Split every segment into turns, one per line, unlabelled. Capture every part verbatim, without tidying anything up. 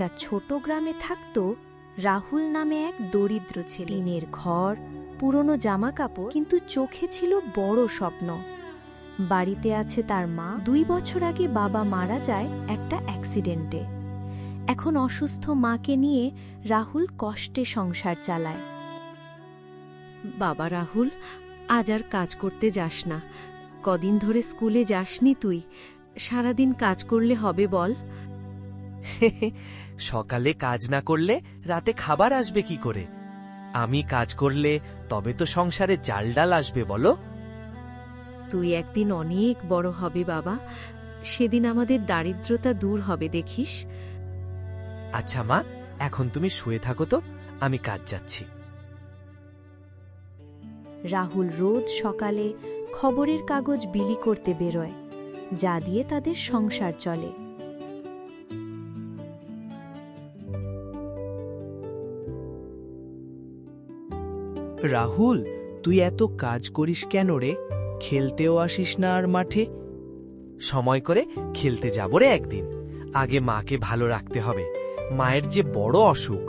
একটা ছোট গ্রামে থাকত রাহুল নামে এক দরিদ্র ছেলে। টিনের ঘর, পুরনো জামা কাপড়, কিন্তু চোখে ছিল বড় স্বপ্ন। বাড়িতে আছে তার মা। দুই বছর আগে বাবা মারা যায় একটা অ্যাক্সিডেন্টে। এখন অসুস্থ মাকে নিয়ে রাহুল কষ্টে সংসার চালায়।
বাবা রাহুল, আজ আর কাজ করতে যাস না। কদিন ধরে স্কুলে যাসনি তুই। সারাদিন কাজ করলে হবে বল?
সকালে কাজ না করলে রাতে খাবার আসবে কি করে? আমি কাজ করলে তবে তো সংসারে চাল ডাল আসবে বলো।
তুই একদিন অনেক বড় হবে বাবা, সেদিন আমাদের দারিদ্রতা দূর হবে দেখিস।
আচ্ছা মা, এখন তুমি শুয়ে থাকো তো, আমি কাজ যাচ্ছি।
রাহুল রোজ সকালে খবরের কাগজ বিলি করতে বেরোয়, যা দিয়ে তাদের সংসার চলে।
রাহুল, তুই এত কাজ করিস কেন রে? খেলতেও আসিস না আর মাঠে?
সময় করে খেলতে যাব রে একদিন। আগে মাকে ভালো রাখতে হবে, মায়ের যে বড় অসুখ।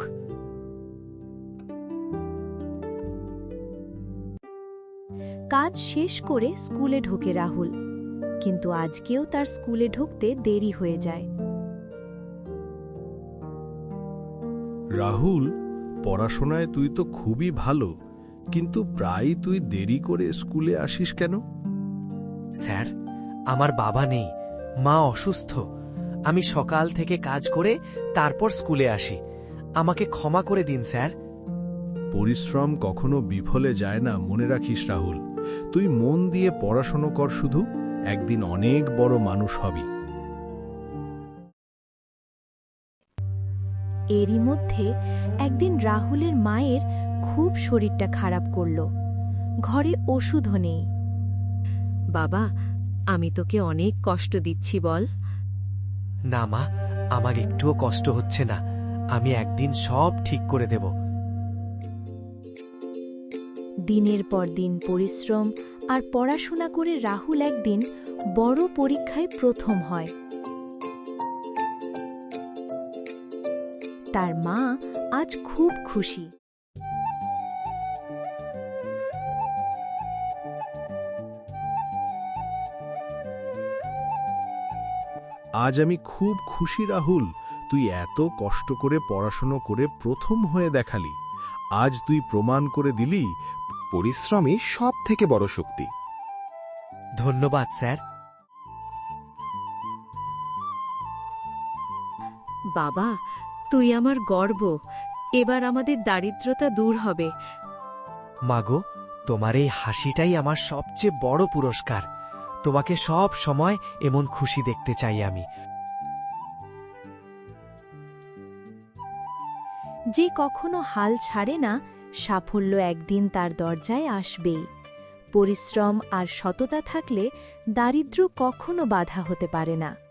কাজ শেষ করে স্কুলে ঢোকে রাহুল, কিন্তু আজকেও তার স্কুলে ঢুকতে দেরি হয়ে যায়।
রাহুল, পড়াশোনায় তুই তো খুবই ভালো, কিন্তু প্রায় তুই দেরি করে স্কুলে আসিস কেন?
স্যার, আমার বাবা নেই, মা অসুস্থ। আমি সকাল থেকে কাজ করে তারপর স্কুলে আসি। আমাকে ক্ষমা করে দিন স্যার।
পরিশ্রম কখনো বিফলে যায় না, মনে রাখিস রাহুল। তুই মন দিয়ে পড়াশোনা কর শুধু, একদিন অনেক বড় মানুষ হবি।
এরই মধ্যে একদিন রাহুলের মায়ের খুব শরীরটা খারাপ করল। ঘরে ওষুধও নেই।
বাবা, আমি তোকে অনেক কষ্ট দিচ্ছি বল?
না মা, আমার একটুও কষ্ট হচ্ছে না। আমি একদিন সব ঠিক করে দেব।
দিনের পর দিন পরিশ্রম আর পড়াশোনা করে রাহুল একদিন বড় পরীক্ষায় প্রথম হয়। তার মা আজ খুব খুশি।
আজ আমি খুব খুশি রাহুল, তুই এত কষ্ট করে পড়াশোনা করে প্রথম হয়ে দেখালি। আজ তুই প্রমাণ করে দিলি
পরিশ্রমই সব থেকে বড় শক্তি।
ধন্যবাদ স্যার।
বাবা, তুই আমার গর্ব। এবার আমাদের দারিদ্রতা দূর হবে।
মাগো, তোমার এই হাসিটাই আমার সবচেয়ে বড় পুরস্কার। তোমাকে সব সময় এমন খুশি দেখতে চাই আমি।
যে কখনো হাল ছাড়ে না, সাফল্য একদিন তার দরজায় আসবেই। পরিশ্রম আর সততা থাকলে দারিদ্র্য কখনো বাধা হতে পারে না।